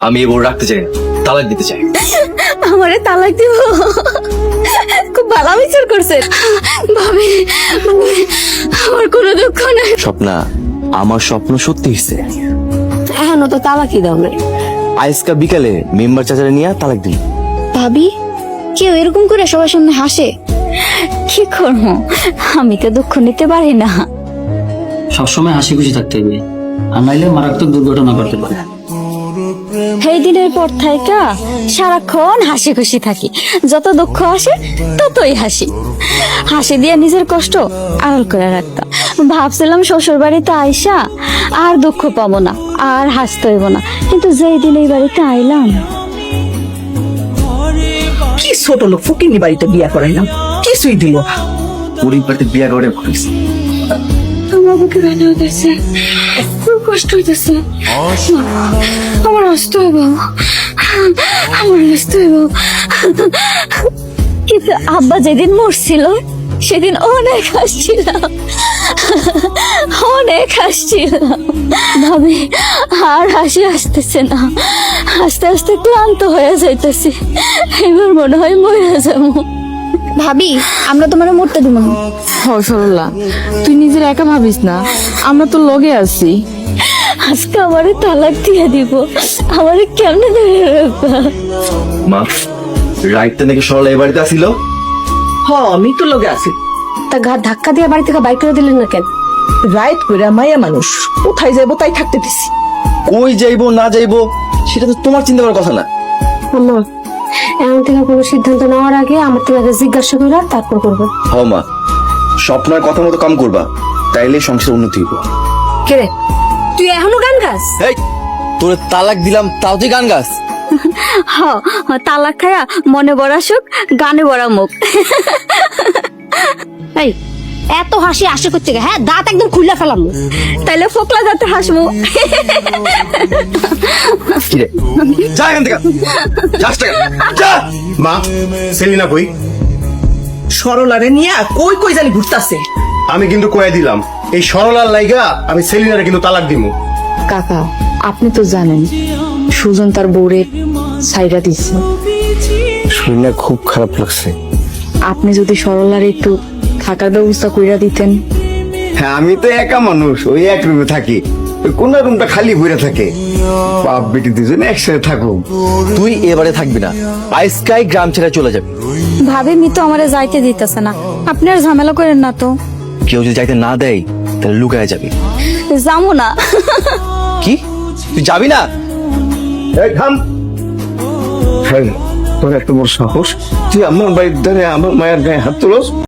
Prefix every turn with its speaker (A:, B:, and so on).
A: আমি এই বউ রাখতে চাই না, তালাক দিতে চাই।
B: আমারে তালাক দিব? খুব ভালো বিচার করছেন ভাবি। আমার কোনো দুঃখ নাই।
A: স্বপ্না, আমার স্বপ্ন সত্যি হয়েছে।
B: এখনো তো তালাকই দাও নাই।
A: আজকা বিকালে মেম্বার চাচারে নিয়ে তালাক দিই।
B: ভাবি, কেউ এরকম করে সবার সামনে হাসে? কি করবো, আমি তো দুঃখ নিতে পারি না।
C: সবসময় হাসি খুশি থাকতে হবে, আর নাইলে মারাত্মক দুর্ঘটনা করতে পারে।
B: সেই দিনের পর থাইকা সারাক্ষণ হাসি খুশি থাকি। যত দুঃখ আসে ততই হাসি। হাসি দিয়ে নিজের কষ্ট আড়াল করে রাখতাম। ভাবছিলাম শ্বশুর বাড়িতে আইসা আর দুঃখ পাবো না, আর হাসতে হইব না। কিন্তু যেই দিন এই বাড়িতে আইলাম,
D: কি ছোট লোক ফকিনি বাড়িতে বিয়া করাইলাম, কিছুই দিল না।
A: গরিব বাড়িতে বিয়া করে করিস।
B: আমার বুকে ব্যথা হইতেছে, খুব কষ্ট হইতেছে। আমার আসতে হইব, আমার আসতে হইব। কিন্তু আব্বা যেদিন মরছিল সেদিন অনেক হাসছিলাম, অনেক হাসছিলাম। ভাবি, আর হাসি আসতেছে না। আস্তে আস্তে ক্লান্ত হয়ে যাইতেছি। এবার মনে হয় মরে যাবো। ভাবি, আমরা তোমার মরতে দিব না।
E: সরলা, তুই নিজের একা ভাবিস না, আমরা তো লগে আছি।
B: আজকে আমারে তালাক দিয়ে দিব, আমারে কেমনে ধরে রাখবা?
A: মা, রাইটটা নাকি সরলা এই বাড়িতে আসিল।
D: আমি তো লগে আছি।
B: তা ঘাট ধাক্কা দিয়ে বাড়ি থেকে বাইক করে দিলেন না কেন?
D: রাইত কইরা মায়া মানুষ কোথায় যাইবো তাই থাকতে দিছি।
A: কই যাইবো না যাইবো সেটা তো তোমার চিন্তা করার কথা না।
B: আম্মা, এমন থেকে কোনো সিদ্ধান্ত নেওয়ার আগে আমার থেকে আগে জিজ্ঞাসা করে তারপর করবো।
A: হ মা, স্বপ্নের কথা মতো কাম করবা, তাইলে সংসার উন্নতি হইব।
B: কে রে, তুই এখনো গান গাস?
A: এই, তোরে তালাক দিলাম তাও তুই গান গাস?
B: হ, তালাক খায়া মনে বড়া সুখ, গানে বড়া মুখ। এই, এত হাসি আসে করতে গে? হ্যাঁ, দাঁত একদম খুলে ফেলাম। তাইলে ফোকলা দাঁতে হাসবো।
A: কি রে, যা এখান থেকে, যাস না কেন? যা।
F: মা, সেলিনা কই?
D: সরলারে নিয়া কই কই জানি ঘুরতাছে।
F: আমি কিন্তু কয়ে দিলাম, এই সরলার লাইগা আমি সেলিনারে কিন্তু তালাক দিমু।
E: কাকা, আপনি তো জানেন সুজন তার বউরে সাইরা দিচ্ছে।
F: শুনে খুব খারাপ লাগছে।
E: আপনি যদি সরলার একটু থাকার ব্যবস্থা কইরা দিতেন।
F: হ্যাঁ, আমি তো একা মানুষ, ওই এক রুমে থাকি, কোন রুমটা খালি ভরে থাকে। বাপ বেটি দুজনে একসাথে থাকো।
A: তুই এবারে থাকবি না, আইসকাই গ্রাম ছেড়ে চলে যাবে।
B: ভাবি, মি তো আমারে যাইতে দিতেছে না। আপনি আর ঝামেলা করেন না তো।
A: কেউ যদি যাইতে না দেয় তাহলে লুকায় যাবি।
B: যাবো না।
A: কি, তুই যাবি না?
F: এই থাম। হ্যাঁ, তোর এত বড় সাহস, তুই আমার বাড়ির ধারে আমার মায়ের গায়ে হাত তুলস?